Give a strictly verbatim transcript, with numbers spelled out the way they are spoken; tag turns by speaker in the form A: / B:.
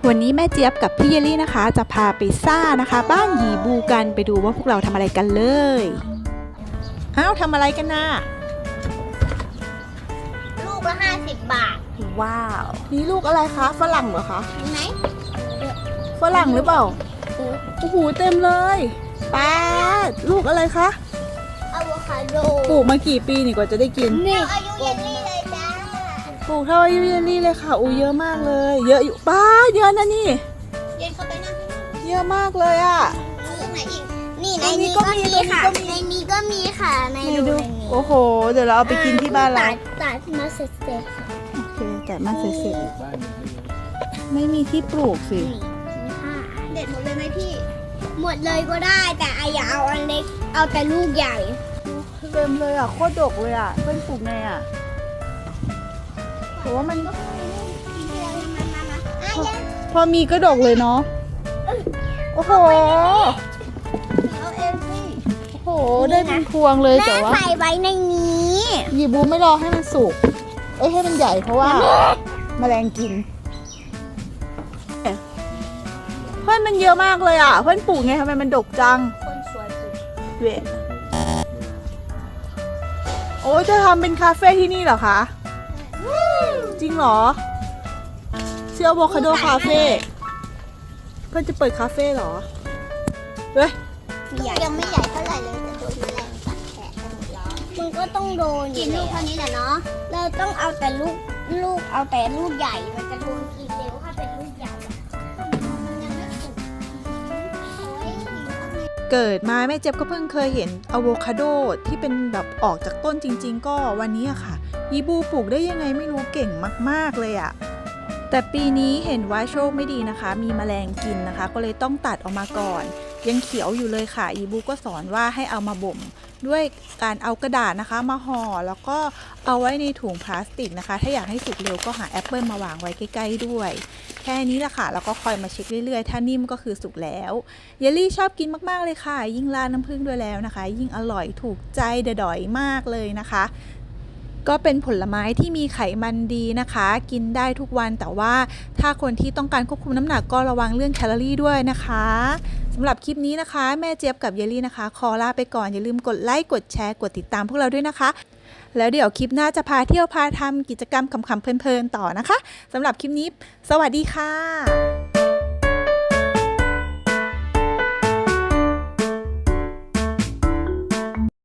A: วันนี้แม่เจี๊ยบกับพี่เยลลี่นะคะ จะพาไปซ่านะคะบ้านหยีบูกันไปดูว่าพวกเราทำอะไรกันเลยอ้าวทำอะไรกันนะ
B: ลูกละห้าสิบบาท
A: ว้าวนี่ลูกอะไรคะฝรั่งเหรอคะ
B: เห็นไหม
A: ฝรั่งหรือเปล่าโอ้โหเต็มเลยป้าลูกอะไรคะ
B: อะโวคาโด
A: ปลูกมากี่ปีนี่กว่าจะได้กิน
B: นี่อายุเยลลี่เลยจ้า
A: ปลูกเท่าอายุเยลลี่เลยค่ะอู้เยอะมากเลยเยอะอยู่ป้าเยอะนะนี่
B: เย็นเข้าไปนั่ง
A: เยอะมากเลยอ่ะ
B: ตรงไหนอีกนี่ในนี้ก็มีค่ะในนี้ก็มีค่ะในดู
A: โอ้โหเดี๋ยวเราเอาไปกินที่บ้านเรา
B: ตัดมาเสร็จๆค่ะ
A: โอเคตัดมาเสร็จๆไม่มีที่ปลูกสิ
B: เด็ดหมดเลยไหมพี่หมดเลยก็ได้แต่อย่าเอาอันเล็กเอาแต่ลูกใหญ่
A: เต็มเลยอ่ะโคตรดกเลยอ่ะเพื่อนปลูกไงอ่ะแต่ว่ามันพอมีก็ดกเลยเนาะโอ้โห
B: เอาเองสิ
A: โอ้โหได้เป็นพวงเลยแต่ว่า
B: ใส่ไว้ในนี้
A: หยีบูไม่รอให้มันสุกเอ้ยให้มันใหญ่เพราะว่าแมลงกินเพื่อนมันเยอะมากเลยอ่ะเพื่อนปลูกไงทำไมมันดกจัง
B: คนสวยสุด
A: เวทโอ้จะทำเป็นคาเฟ่ที่นี่เหรอคะจริงเหรอเชื่อโวคาโดคาเฟ่เพื่อนจะเปิดคาเฟ่เหรอเฮ้ย
B: ยังไม่ใหญ่เท่าไหร่เลยจะโดนแมลงกัดแขนกันหมดแล้วมันก็ต้องโดนกินลูกเท่านี้แหละเนาะเราต้องเอาแต่ลูกลูกเอาแต่ลูกใหญ่มันจะโดนกินเร็วถ้าเป็นลูกใหญ่
A: เกิดมาแม่เจ็บก็เพิ่งเคยเห็นอะโวคาโดที่เป็นแบบออกจากต้นจริงๆก็วันนี้อะค่ะยีบูปลูกได้ยังไงไม่รู้เก่งมากๆเลยอะแต่ปีนี้เห็นว่าโชคไม่ดีนะคะมีแมลงกินนะคะก็เลยต้องตัดออกมาก่อนยังเขียวอยู่เลยค่ะยีบูก็สอนว่าให้เอามาบ่มด้วยการเอากระดาษนะคะมาห่อแล้วก็เอาไว้ในถุงพลาสติกนะคะถ้าอยากให้สุกเร็วก็หาแอปเปิลมาวางไว้ใกล้ๆด้วยแค่นี้แหละค่ะแล้วก็คอยมาเช็คเรื่อยๆถ้านิ่มก็คือสุกแล้วเยลลี่ชอบกินมากๆเลยค่ะยิ่งราดน้ำผึ้งด้วยแล้วนะคะยิ่งอร่อยถูกใจเดอยๆมากเลยนะคะก็เป็นผลไม้ที่มีไขมันดีนะคะกินได้ทุกวันแต่ว่าถ้าคนที่ต้องการควบคุมน้ำหนักก็ระวังเรื่องแคลอรี่ด้วยนะคะสำหรับคลิปนี้นะคะแม่เจี๊ยบกับเยลลี่นะคะขอลาไปก่อนอย่าลืมกดไลค์กดแชร์กดติดตามพวกเราด้วยนะคะแล้วเดี๋ยวคลิปหน้าจะพาเที่ยวพาทำกิจกรรมขำๆเพลินๆต่อนะคะสำหรับคลิปนี้สวัสดีค่ะ